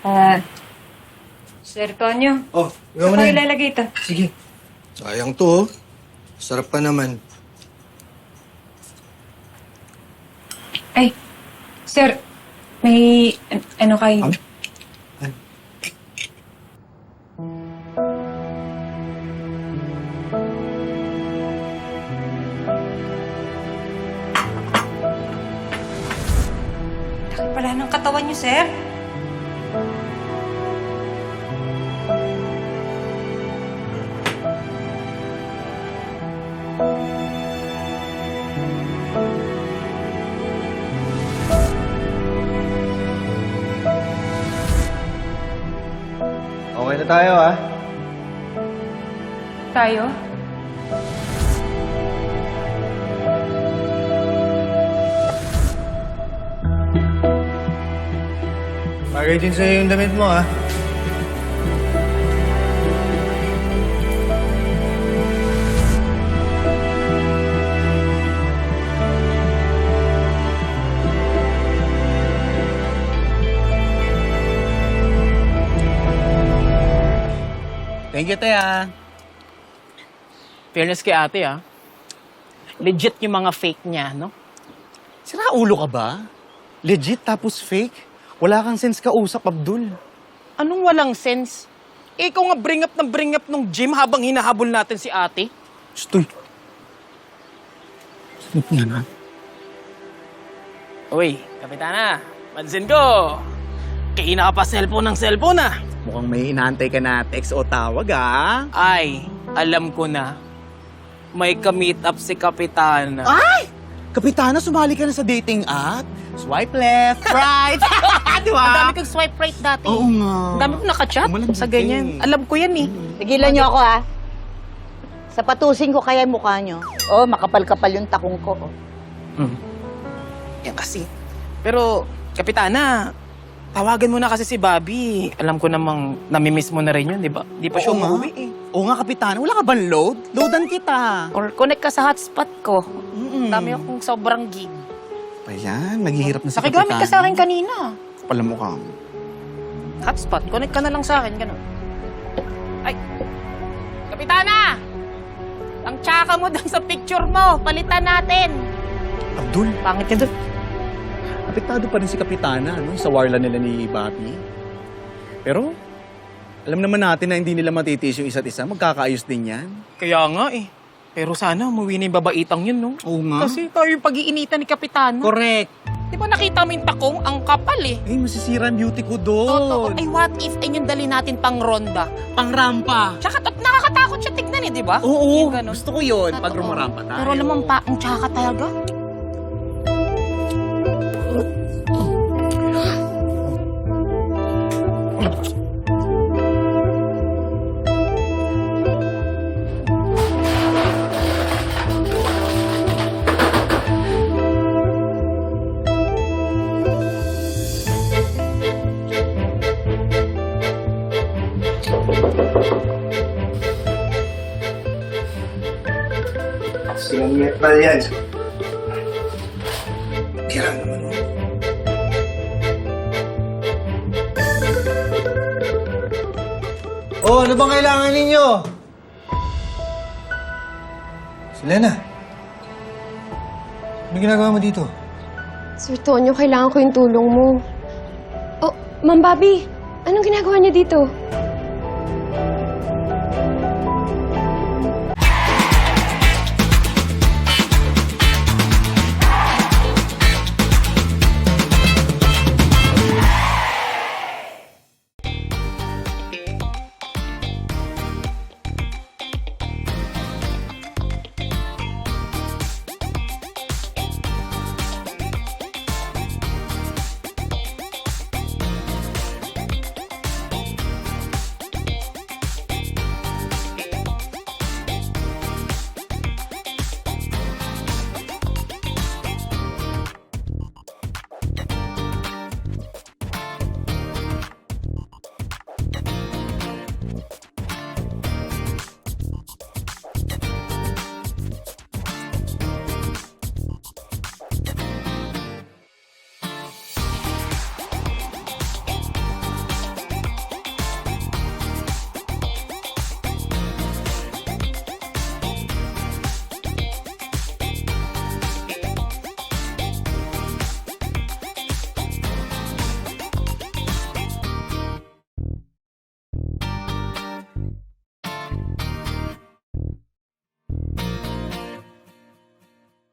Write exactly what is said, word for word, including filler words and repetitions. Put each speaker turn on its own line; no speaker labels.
Ah, Sir Tonyo.
Oh,
Saan
ikaw mo
ko
na.
ilalagay ito?
Sige. Sayang to, oh. Sarap pa naman.
Ay, sir, may an- ano kayo?
Ano? Ano?
Laki pala ng katawan niyo, sir.
Okay na tayo, ah.
Tayo?
Bagay din sa'yo yung damit mo, ah.
Thank you, te, ah. Fairness kay ate, ah. Legit yung mga fake niya, no?
Sira ulo ka ba? Legit tapos fake? Wala kang sense kausap, Abdul.
Anong walang sense? Eh, ikaw nga bring up ng bring up nung gym habang hinahabol natin si ate.
Stoy. Snip nga na.
Uy, kapitana, pansin ko. Kaina ka pa cellphone ng cellphone, ah.
Mukhang may inaantay ka na text o tawag, ah.
Ay, alam ko na. May ka-meet up si kapitana.
Ay! Kapitana, sumali ka na sa dating app. Swipe left, right. Di
Ang
ba?
dami kong swipe right dati.
Oo nga.
Ang dami kong nakachat
Malambing
sa
ka
ganyan.
eh.
Alam ko yan, eh.
Tigilan niyo ako, ha? Sapatusin ko kaya yung mukha niyo. Oh, makapal-kapal yung takong ko. oh.
Mm. Yan kasi. Pero, kapitana, tawagan mo na kasi si Bobby. Alam ko namang namimiss mo na rin yun, di ba? Di pa siya
Oo nga.
umuwi eh.
Oo nga, Kapitana. Wala ka bang load? Loadan kita.
Or connect ka sa hotspot ko.
Mm-mm.
Dami akong sobrang gig.
Ayan, naghihirap na si
Nakigamit ka sa akin kanina.
Kapal ang mukha mo.
Hotspot, connect ka na lang sa akin, gano'n. Ay! Kapitana! Ang tsaka mo doon sa picture mo, palitan natin.
Abdul,
Pangit yun doon.
apektado pa rin si Kapitana no, sa warla nila ni Bobby. Pero, alam naman natin na hindi nila matitiis yung isa't isa. Magkakaayos din yan.
Kaya nga eh. Pero sana umuwi na yung babaitang yun, no?
Oo nga.
Kasi tayo yung pag-iinitan ni Kapitana.
Correct.
Di ba nakita mo yung takong? Ang kapal eh.
Eh, masisira ang beauty ko doon.
Totoo. Ay, what if ay yung dali natin pang ronda?
Pang-rampa.
Tsaka at nakakatakot siya tignan eh, di ba?
Oo,
Yung ganun.
gusto ko yun.
Totoo.
Pag rumarampa tayo.
Pero alam mo, pa, ang tsaka talaga.
Sinangit pa yan. Kira naman, oh. Oh, ano bang kailangan ninyo? Selena. Ano ginagawa mo dito?
Sir Tonyo, kailangan ko yung tulong mo. Oh, Ma'am Bobby, anong ginagawa niyo dito?